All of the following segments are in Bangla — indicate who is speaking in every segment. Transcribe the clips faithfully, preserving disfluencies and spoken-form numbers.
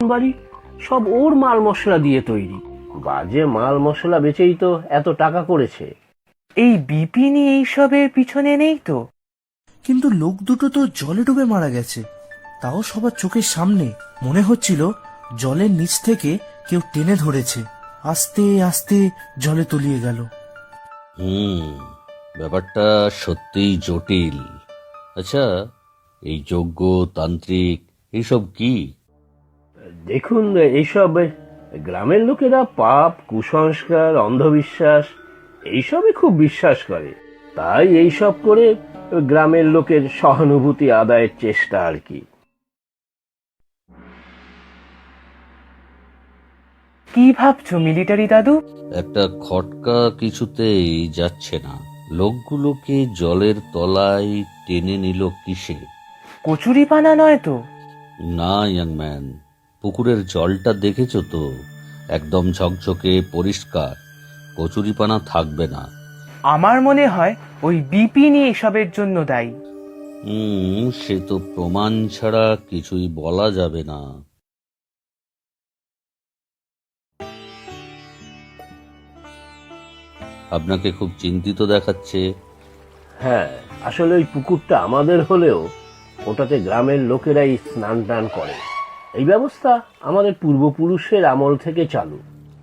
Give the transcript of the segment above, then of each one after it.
Speaker 1: বাড়ি সব ওর মাল মশলা দিয়ে তৈরি। বাজে মাল মশলা বেচেই তো এত টাকা করেছে।
Speaker 2: এই বিপিনই এইসবের পিছনে নেই তো?
Speaker 3: কিন্তু লোক দুটো তো জলে ডুবে মারা গেছে, তাও সবার চোখের সামনে। মনে হচ্ছিল জলের নিচ থেকে কেউ টেনে ধরেছে, আস্তে আস্তে জলে তলিয়ে গেল।
Speaker 4: হুম ব্যাপারটা সত্যিই জটিল। আচ্ছা, এই যজ্ঞ তান্ত্রিক এইসব কি?
Speaker 1: দেখুন, এইসব গ্রামের লোকেরা পাপ, কুসংস্কার, অন্ধবিশ্বাস এইসবে খুব বিশ্বাস করে। তাই এইসব করে গ্রামের লোকের সহানুভূতি আদায়ের চেষ্টা আর কি।
Speaker 2: কি ভাবছো মিলিটারি দাদু?
Speaker 4: একটা খটকা কিছুতেই যাচ্ছে না। লোকগুলোকে জলের তলায় টেনে নিল কিসে?
Speaker 2: কচুরি পানা নয় তো?
Speaker 4: না ইয়াং ম্যান, পুকুরের জলটা দেখেছো তো? একদম ঝকঝকে পরিষ্কার, কচুরিপানা থাকবে না।
Speaker 2: আমার মনে হয় ওই বিপিনই এসবের জন্য দায়ী।
Speaker 4: হুম সে তো প্রমাণ ছাড়া কিছুই বলা যাবে না। আপনাকে খুব চিন্তিত দেখাচ্ছে।
Speaker 1: হ্যাঁ, আসলে ওই পুকুরটা আমাদের হলেও ওটাতে গ্রামের লোকেরাই স্নান টান করে। এই ব্যবস্থা আমাদের পূর্বপুরুষের আমল থেকে চালু।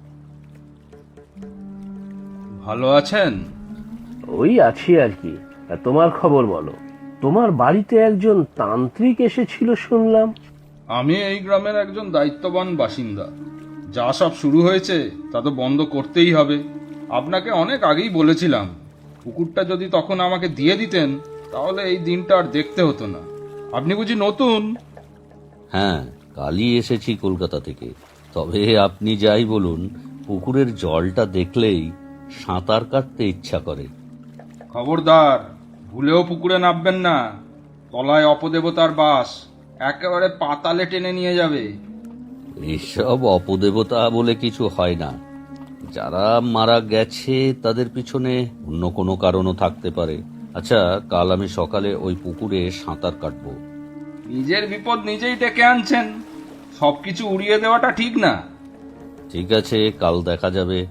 Speaker 5: ভালো আছেন?
Speaker 1: ওই আছি আর কি। আর তোমার খবর বলো। তোমার বাড়িতে একজন তান্ত্রিক এসেছিল শুনলাম।
Speaker 5: আমি এই গ্রামের একজন দায়িত্ববান বাসিন্দা। যা সব শুরু হয়েছে তা তো বন্ধ করতেই হবে। আপনাকে অনেক আগেই বলেছিলাম, পুকুরটা যদি তখন আমাকে দিয়ে দিতেন তাহলে এই দিনটা আর দেখতে হতো না। আপনি বুঝি নতুন?
Speaker 4: হ্যাঁ, কালই এসেছি কলকাতা থেকে। তবে আপনি যাই বলুন, পুকুরের জলটা দেখলেই সাঁতার কাটতে ইচ্ছা করে।
Speaker 5: খবরদার, ভুলেও পুকুরে নামবেন না। তলায় অপদেবতার বাস, একেবারে পাতালে টেনে নিয়ে যাবে।
Speaker 4: এসব অপদেবতা বলে কিছু হয় না। যারা মারা গেছে তাদের পিছনে অন্য কোনো কারণও থাকতে পারে। আচ্ছা, কাল আমি সকালে ওই পুকুরে সাঁতার কাটবো।
Speaker 5: নিজের বিপদ নিজেই ডেকে আনছেন। সবকিছু উড়িয়ে দেওয়াটা ঠিক না।
Speaker 4: ঠিক আছে, কাল দেখা যাবে।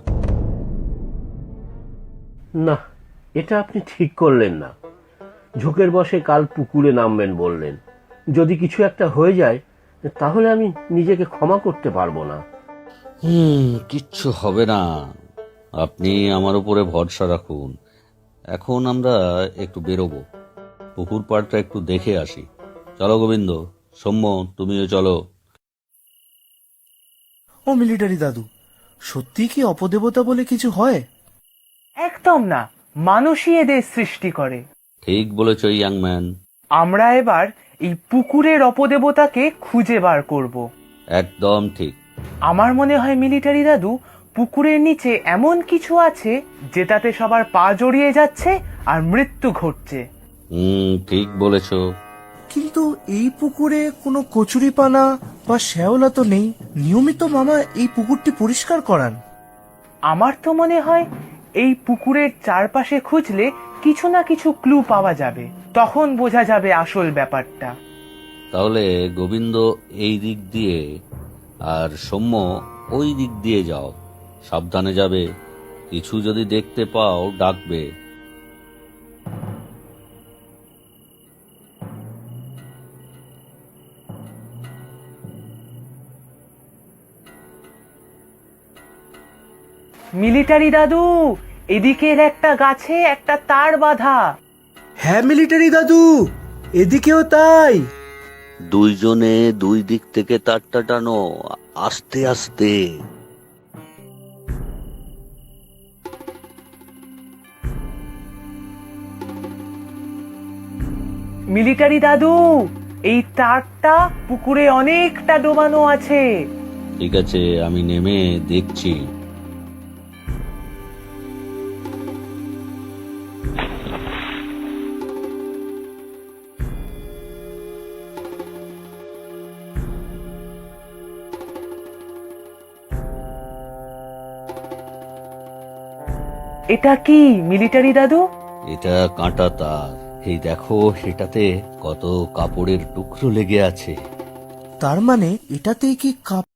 Speaker 1: না, এটা আপনি ঠিক করলেন না। ঝোঁকের বসে কাল পুকুরে নামবেন বললেন। যদি কিছু একটা হয়ে যায় তাহলে আমি নিজেকে ক্ষমা করতে পারবো না।
Speaker 4: হুম কিচ্ছু হবে না, আপনি আমার উপরে ভরসা রাখুন। এখন আমরা একটু বেরোবো, পুকুর পাড়টা একটু দেখে আসি। চলো গোবিন্দ, সৌম্য তুমিও চলো।
Speaker 3: ও মিলিটারি দাদু, সত্যি কি অপদেবতা বলে কিছু হয়?
Speaker 2: একদম না, মানুষই এদের সৃষ্টি করে।
Speaker 4: ঠিক বলেছ ইয়াং ম্যান।
Speaker 2: আমরা এবার এই পুকুরের অপদেবতাকে খুঁজে বার করব।
Speaker 4: একদম ঠিক।
Speaker 2: আমার মনে হয় মিলিটারি দাদু, পুকুরের নিচে এমন কিছু আছে যেটাতে সবার পা জড়িয়ে যাচ্ছে আর মৃত্যু ঘটছে।
Speaker 4: হুম ঠিক বলেছ।
Speaker 3: কিন্তু এই পুকুরে কোনো কচুরিপানা বা শ্যাওলা তো নেই। নিয়মিত মামা এই পুকুরটি পরিষ্কার করান।
Speaker 2: আমার তো মনে হয় এই পুকুরের চারপাশে খুঁজলে কিছু না কিছু ক্লু পাওয়া যাবে, তখন বোঝা যাবে আসল ব্যাপারটা।
Speaker 4: তাহলে গোবিন্দ এই দিক দিয়ে আর সৌম্য ওই দিক দিয়ে যাও, সাবধানে যাবে। কিছু যদি দেখতে পাও ডাকবে।
Speaker 2: মিলিটারি দাদু, এদিকের একটা গাছে একটা তার বাঁধা।
Speaker 3: হ্যাঁ মিলিটারি দাদু, এদিকেও তাই।
Speaker 4: দুইজনে দুই দিক থেকে তারটা টানো, আস্তে আস্তে।
Speaker 2: মিলিটারি দাদু, এই তারটা পুকুরে অনেকটা ডোবানো আছে।
Speaker 4: ঠিক আছে, আমি নেমে দেখছি।
Speaker 2: এটা কি মিলিটারি দাদু?
Speaker 4: এটা কাঁটা তার। এই দেখো, এটাতে কত কাপড়ের টুকরো লেগে আছে।
Speaker 3: তার মানে এটাতেই কি কাপ